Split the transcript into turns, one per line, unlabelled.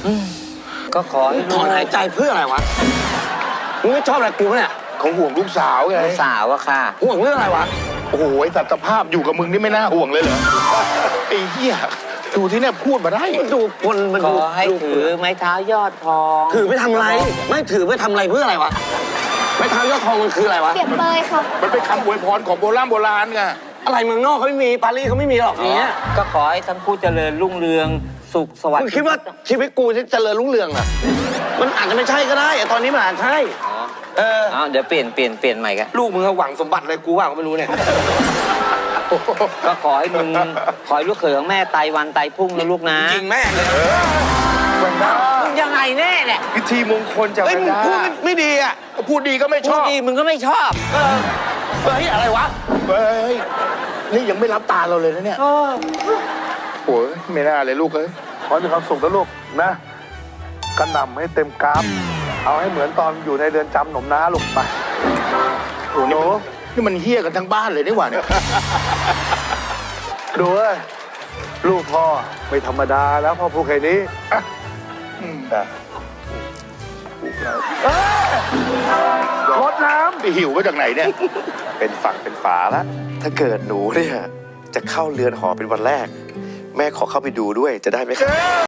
ก็ขอให้
ถอนหายใจเพื่ออะไรวะมึงไม่ชอบอะไรกูเนี่ย
เขาห่วงลูกสาวไง
ลูกสาวอะค่ะ
ห่วงเรื่องอะไรวะ
โอ้โหไอ้สัตว์ภาพอยู่กับมึงนี่ไม่น่าห่วงเลยเหรอไอ้เหี้ยดูที่เนี่ยพูดมาได้
มันดูคนมัน
ข
ดู
อให้ถือไม้เท้ายอดทอง
ถือไม่ทำอะไร ไม่ถือไม่ทำอะไรเพื่ออะไรวะไม่ทำยอดทองมันคืออะไรวะ
เปรียบเปยค่ะ
มันเป็นคำอวยพรของโบราณไง
อะไรเมืองนอกเขาไม่มีปารีสเขาไม่มีหรอกอย่างเงี้ย
ก็ขอให้ทั้งคู่เจริญรุ่งเรืองสุขสวัส
มึง
ดิ์
คิดว่าชีวิตกูจะเจริญรุ่งเรืองเหรอมันอาจจะไม่ใช่ก็ได้แต่ตอนนี้มันอาจใช่
เดี๋ยวเปลี่ยนใหม่กัน
ลูกมึงหวังสมบัติอะไรกูว่าก็ไม่รู้เนี่ย
ก็ขอให้ลูกเขยของแม่ไตวันไตพรุ่งนะลูกนะ
จริงแม่เลย
มึงยังไงแน่เนี่ย
พิธีมงคลจะ
เฮ้ย
ไม่
มึง
ได้
พูดไม่ดีอ่ะ
พูดดีก็ไม่ช
พูด
อบ
ดีมึงก็ไม่ชอบ
เฮ้ยอะไรวะ
เฮ้ยนี่ยังไม่รับตาเราเลยนะเนี่ยโอ้ยไม่น่าเลยลูกเอ้ย
ขอให้มีความสุขนะลูกนะกระหน่ำให้เต็มกราฟเอาให้เหมือนตอนอยู่ในเรือนจำหนมน้าลูกไป
โอ้โหนี่มันเฮี้ยกันทั้งบ้านเลยนี่หว่าเนี่ย
ดูเว้ยลูกพ่อไม่ธรรมดาแล้วพ่อพูดแค่นี้อ่ะรดน้
ไปหิวมาจากไหนเนี่ย
เป็นฝั่งเป็นฝาละถ้าเกิดหนูเนี่ยจะเข้าเรือนหอเป็นวันแรก แม่ขอเข้าไปดูด้วยจะได้ไหมครับ